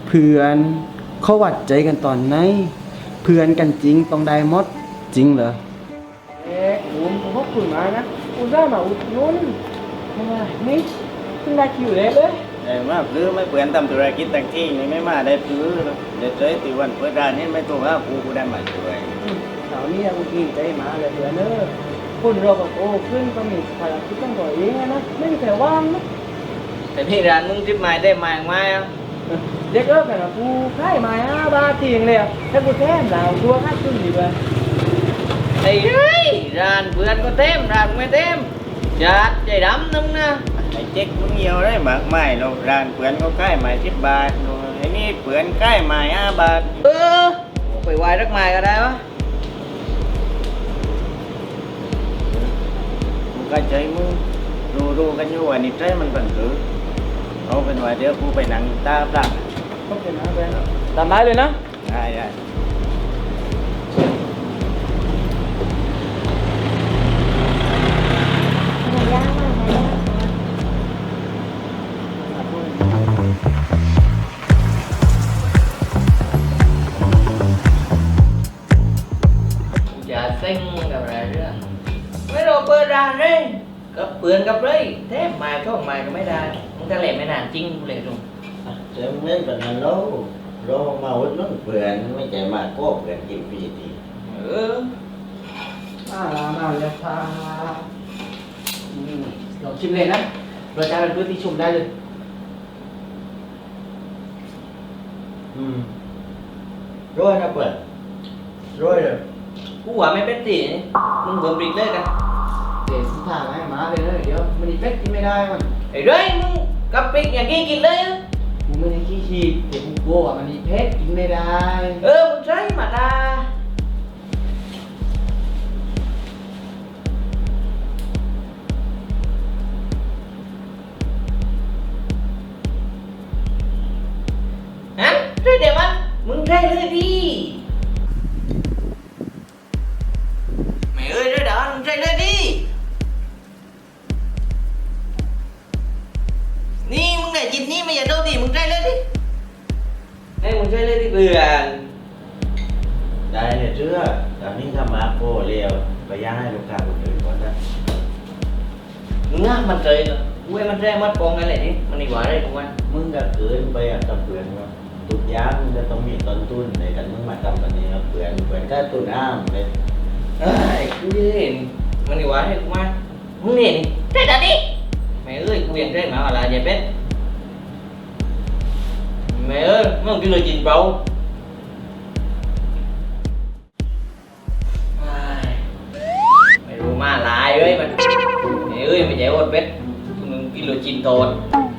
เพื่อนเขาวัดใจกันตอนไหนเพื่อนกันจริงต้องได้หมดจริงเหรอคุณเขาคุยมานะคุณได้มาอุดหนุนนี่คุณได้คิวเลยได้มาซื้อไม่เปลี่ยนทำธุรกิจต่างที่นี่ไม่มาได้ซื้อเดี๋ยวเจอตีวันเปิดร้านนี้ไม่ตัวว่ากูได้มาช่วยแถวนี้กูกินใจมาเลยเพื่อนเนอะคนเราก็โตขึ้นก็มีภารกิจต้องต่อเองนะไม่มีใครว่างนะแต่ที่ร้านมึงทิพย์มาได้มาไหมอ่ะเด็กเลิกกันนะกูค่ายมาบาทจริงเลยถ้ากูแท้มดาวตัวค่าขึ้นดีกว่าไอ้เฮ้ยร้านเพื่อนก็เต็มร้านไม่เต็มจัดใจดำนึงนะไอ้เจ๊กมึงเหี่ยวได้มากมายเราร้านเพื่อนก็ค่ายมา10 บาทไอ้นี่เพื่อนค่ายมา5 บาทไปวายรักมายก็ได้วะมึงก็ใจมึงรู้กันอยู่ว่านี่ใจมันเป็นคือเอาเป็นว่าเดี๋ยวกูไปนั่งตาปลักก็เป็นนะเพื่อนตามได้เลยนะได้อย่าเซ็งกับอะไรเรื่องไม่รอเปิดร้านเลยก็เปลือนกับเลยเทปมาช่องมาก็ไม่ได้มึงจะเล่นไม่นานจริงเลยลุงเสริมเล่นแบบนั้นแล้วเรามาวัดนั้นเปลือนไม่ใจมากก็เปลือนกินฟรีทีมาเลยพาลองชิมเลยนะรสชาติเป็นพื้นที่ชมได้เลยร้อยนะเปลือนร้อยเลยกูว่าไม่เป็นตีมึงเบิ่มปริกเลยกันเดี๋ยวสุดท้ายให้มาเลยเดี๋ยวมันอีเฟกกินไม่ได้มันไอ้เร่มึงกับปริกอย่างกี้กินเลยมึงไม่ได้ขี้ฉีกเดี๋ยวกูกลัวมันอีเฟกกินไม่ได้มึงใช้มาตาฮะใช่เดี๋ยวมันมึงใช่เลยดิmẹ ơi đó đóมึงใช่เลยดินี่มึงได้จินนี่ไม่อย่าโดนดิมึงใช่เลยดิให้มึงใช่เลยดิเพื่อนได้เนี่ยเชื่อตอนนี้ทำมาโคเรียวไปย่างให้ลูกค้าคนอื่นก่อนนะมึงอ่ะมันใจเหรอกูให้มันแรงมัดกองกันเลยดิมันดีกว่าได้กูว่ามึงก็เกินไปอ่ะกับเปลือนว่าทุกอย่างมึงจะต้องมีต้นทุนในการมึงมาทำแบบนี้ครับเปลือนก็ต้นอ้ามเลยกูเห็นมันดีกว่าให้กูมามึงเห็นใช่แต่ดิแม่เอ้ยกูยังใช่มาอะไรvậy bé mẹ ơi mấy ông kia lời trình bầu mày ru ma lại ơi mẹ ơi mày chạy ôn bé cái lời trình tồn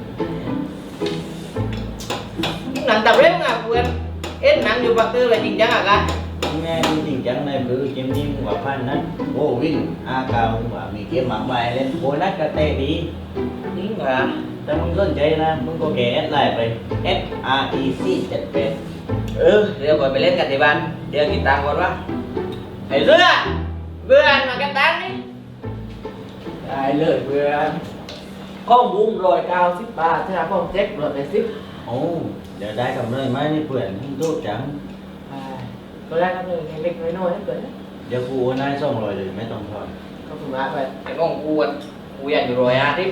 nặng tập đấy không à quên ít nặng vô bạc tư là trình chẳng à ca ngheจริงจังในมือเกมนี้มึงว่าพันนั้นโอ้วิ่งกาวมึงว่ามีเกมหมากใบเล่นโบนัสก็เตะดีนี่เหรอแต่มึงสนใจนะมึงก็แกแอดไลน์ไป SREC 78 เดี๋ยวก่อนไปเล่นกันที่บ้านเดี๋ยวกินตังก่อนวะไอ้เรือเบื่อมากันตังนี่ได้เลยเพื่อนข้อมูล190 บาทถ้าข้อเจ็ค180 โอ้เดี๋ยวได้กำไรไหมนี่เพื่อนรูดจังก็ได้ครับเลยเล็กน้อยๆนั่นเกิดเดี๋ยวกูโอนให้200เลยไม่ต้องทอนก็ถูกมาไปไอ้น้องกูอยากอยู่150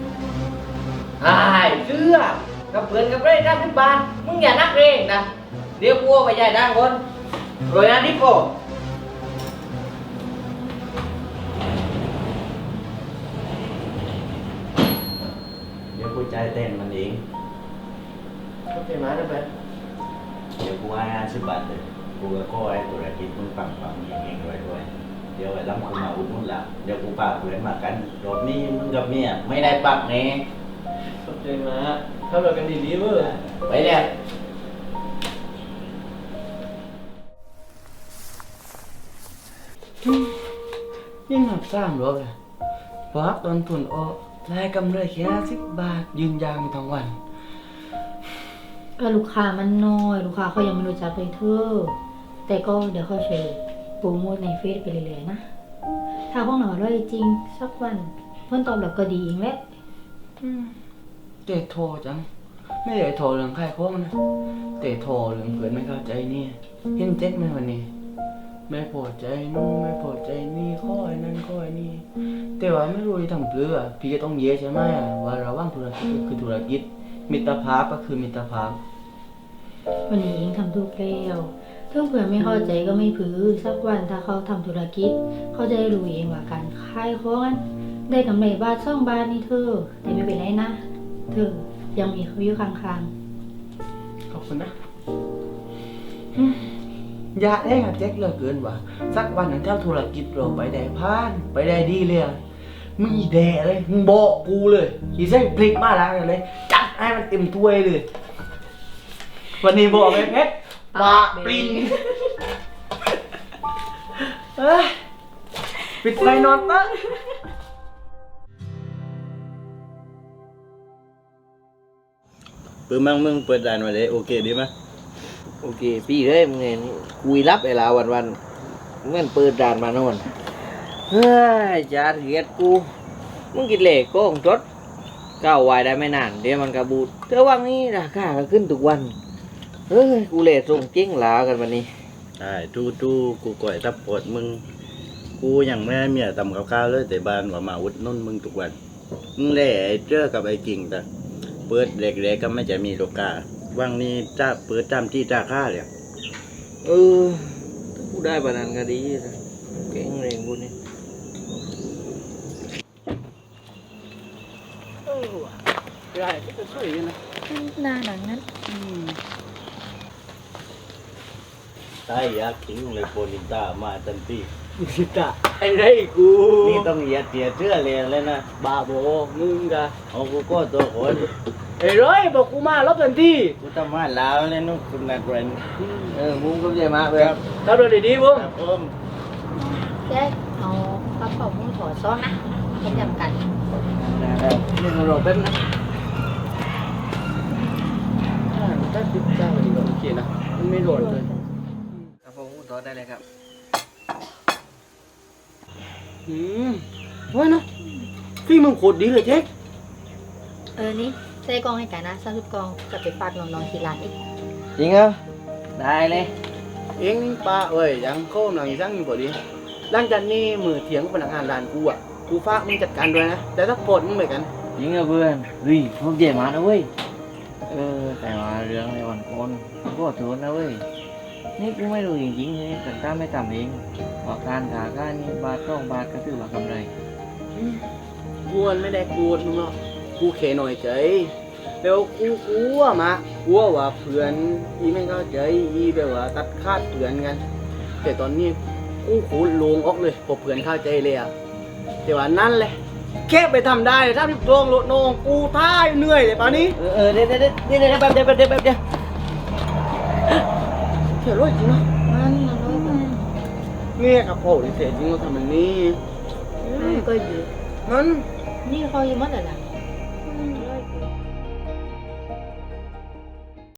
เสื้อกับเพื่อนกับเร่30 บาทมึงอย่านักเร่งนะเดี๋ยวกูไปจ่ายตังค์คน150ก็เดี๋ยวกูจ่ายเต้นมันเองก็เป็นมาได้ไปเดี๋ยวกูให้50 บาทเลยกูก็ไอ้ธุรกิจมึงปังเองด้วยเดี๋ยวไอ้ล้ำกูมาอุดหนุนละเดี๋ยวกูฝากเพื่อนมากันรอบนี้มึงกับเมียไม่ได้ปักแน่ขอบใจมาเข้าเรากันดีๆเว้ยไปเนี่ยยิ่งหัก3 รอบเลยพอหักต้นทุนออกได้กำไรแค่10 บาทยืนยาวทั้งวันก็ลูกค้ามันน้อยลูกค้าเขายังไม่รู้จักเลยเธอแต่ก็เดี๋ยวเขาช่วยโปรโมทในเฟซไปเรื่อยๆนะถ้าพวกหนูอร่อยจริงสักวันผลตอบรับก็ดีเองแหละเจ๊โทรจังไม่ได้โทรเรื่องใครโค้งนะแต่โทรเรื่องเพื่อนไม่เข้าใจนี่เห็นเจ๊กไหมวันนี้ไม่พอใจนู่นไม่พอใจนี่ข้อไอ้นั่นข้อไอ้นี่แต่ว่าไม่รู้จะทำเพื่อพี่ก็ต้องเยอะใช่ไหมว่าระหว่างธุรกิจก็คือธุรกิจมิตรภาพก็คือมิตรภาพวันนี้เองทำถูกแล้วถ้าเผื่อไม่เข้าใจก็ไม่ผือสักวันถ้าเขาทำธุรกิจ เขาจะได้รู้เองว่าการขายของนั้นได้กำไรบาท2 บาทนี่เธอแต่ไม่เป็นไรนะ เธอยังมีเขาอยู่ข้างขอบคุณนะอย่าได้กับแจ็คเหลือเกินว่ะสักวันหนึ่งเจ้าธุรกิจเราไปได้พานไปได้ดีเลยอะมึงอีแดเลยมึงบอกกูเลยอีเส้นพลิกมาแล้วเลยจัดให้มันเต็มถ้วยเลย วันนี้บอกเลยเพชรปลาปลิงเอ้ยปิดไฟนอนตั้งเปิดมั่งมึงเปิดด่านมาเลยโอเคดีไหมโอเคพี่เอ้ยมึงเห็นคุยรับเวลาวันๆเหมื่อนเปิดด่านมานอนเฮ้ยจาเหียดกูมึงกินเหล็กโก้งจดก้าวไวได้ไม่นานเดี๋ยวมันกระบูดเธอว่างนี้ราคาก็ขึ้นทุกวันเฮ้ยกูเหล็กส่งเจ๊งหลากันวันนี้ใช่ทูกูก่อยทับปวดมึงกูยังไม่ได้เมียทำกับข้าวเลยแต่บ้านว่ามาอุดหนุ่นมึงทุกวันมึงเล่ไอ้เจ้อกับไอ้กิ่งแต่เปิดเด็กๆก็ไม่จะมีโลกาว่างนี้จ้าเปิดตามที่จ้าค่าเลยเออถ้ากูได้ปานนั้นก็ดีนะเก่งเลยกูนี่ได้ก็ช่วยกันนะๆหน้าหนังนั้นใช่อยากทิ้งเลยโปนิต้ามาทันทีสิตาไอ้ไรกูนี่ต้องเหยียดเสียเชื่อเลยนะบ้าโบมึงกะเอากูก็ตัวคนไอ้ร้อยบอกกูมาลบทันทีกูทำมาแล้วเลยนุ๊กคุณนัดเรนมุ้งก็ใจมากเลยถ้าโดนดีๆบุ้งครับผมแจ๊คเอากระเป๋ามุ้งถอดซ้อนนะให้จำกันนี่เรารอแป๊บนะถ้าติดจ้าดีกว่าโอเคนะมันไม่โดนเลยครับผมถอดได้เลยครับว่านะพี่มึงโคตรดีเลยเจ๊กนี่ใส่กองให้กันนะ30 กองจะไปฝากน้องๆที่ร้านอีกจริงเหรอได้เลยเอ็งป้าเอ้ยยังโค้งหน่อยสั่งอยู่บ่ดีหลังจากนี้มือเถียงกับพนักงานร้านกูอ่ะกูฝากมึงจัดการด้วยนะแต่ถ้าโกรธมึงเหมือนกันจริงเหรอเพื่อนเฮ้ยผมใจมากนะเว้ยแต่ว่าเรื่องในวันก่อนกูขอโทษนะเว้ยนี่กูไม่รู้จริงๆเลยแต่ถ้าไม่ทำเองว่าการขาค่านี่บาท2 บาทก็ถือว่ากำไรกูไม่ได้โกรธมึงหรอกกูแค่หน่อยใจแล้วกูกลัวมากลัวว่าเพื่อนอีไม่เข้าใจอีแบบว่าตัดขาดเพื่อนกัน แต่ตอนนี้กูโคตรโลงออกเลยพอเพื่อนเข้าใจเลยอ่ะแต่ว่านั่นแหละแค่ไปทำได้ถ้าพี่โรงโลดโนงกูท่ายเหนื่อยเลยป่านนี้เดี๋ยวแป๊บเดี๋ยวเขียนร้อยจริงเนาะมันร้อยบาทเนี่ยกับโอ้ยเสียจริงเราทำแบบนี้ก็อยู่มันนี่เขาอยู่มัดอะไรล่ะ